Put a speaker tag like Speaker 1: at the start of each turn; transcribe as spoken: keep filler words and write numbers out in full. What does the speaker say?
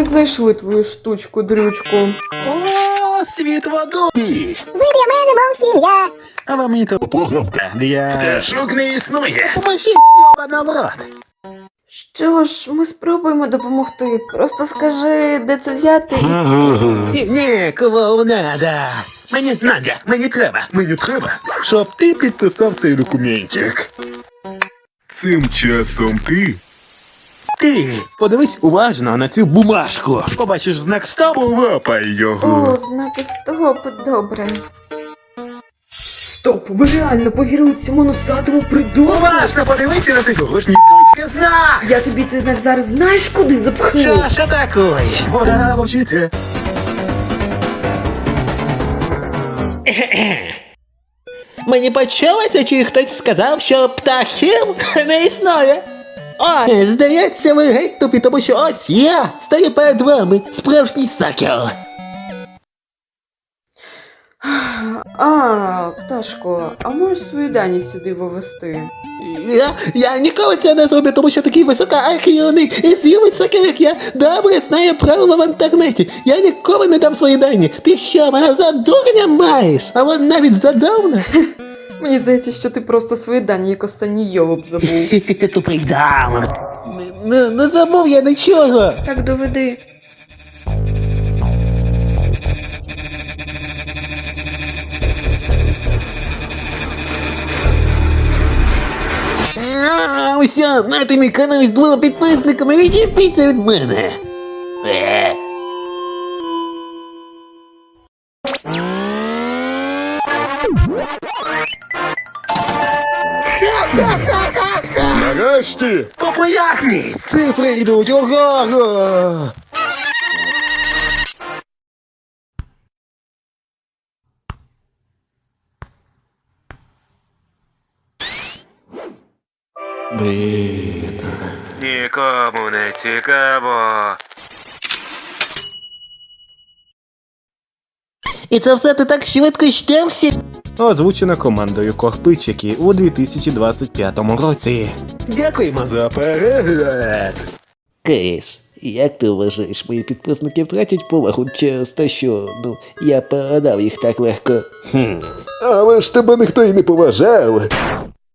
Speaker 1: ми знайшли твою штучку-дрючку.
Speaker 2: О, світ в одобі!
Speaker 3: Ви для мене, мов сім'я.
Speaker 2: А вам і то програмка для пташок не існує. Поможіть, йобана в рот.
Speaker 1: Що ж, ми спробуємо допомогти. Просто скажи, де це взяти і...
Speaker 2: Ні, ні, кого надо. Мені надо, мені треба, мені треба, щоб ти підписав цей документик. Цим часом ти... Ти подивись уважно на цю бумажку. Побачиш знак стопу, лапай його.
Speaker 1: О, знаки стоп, добре. Стоп, ви реально повірили цьому носатому придурку?
Speaker 2: Уважно подивися на цей дорожній сучки знак.
Speaker 1: Я тобі цей знак зараз знаєш куди запхну?
Speaker 2: Що ж такое? Пора вчитися. Мені почулося, чи хтось сказав, що птахів не існує. О, здається, ви геть тупі, тому що ось я стою перед вами, справжній сакер.
Speaker 1: А, пташко, а можеш свої дані сюди вивести?
Speaker 2: Я, я ніколи це не зроблю, тому що такий високоархіоний і з'явий сакер, як я, добре знає правила в інтернеті. Я ніколи не дам свої дані. Ти що, мене за дурня маєш? А вон навіть задовна.
Speaker 1: Мені здається, що ти просто свої дані, як останній йолоп забув.
Speaker 2: Тупий даун. Не, не забув я нічого.
Speaker 1: Так доведи.
Speaker 2: А, усе, нати мій канал з двома підписниками, відчепіться від мене. Е. Ха-ха-ха-ха-ха!
Speaker 4: Нарешті!
Speaker 2: Популярність! Цифри йдуть угору! Блін.
Speaker 4: Нікому не цікаво.
Speaker 2: І це все ти так швидко щався? Озвучено командою Корпичики у дві тисячі двадцять п'ятому році. Дякуємо за перегляд. Кейс, як ти вважаєш, мої підписники втратять повагу через те, що, ну, я передав їх так легко? Хм. Але ж тебе ніхто й не поважав.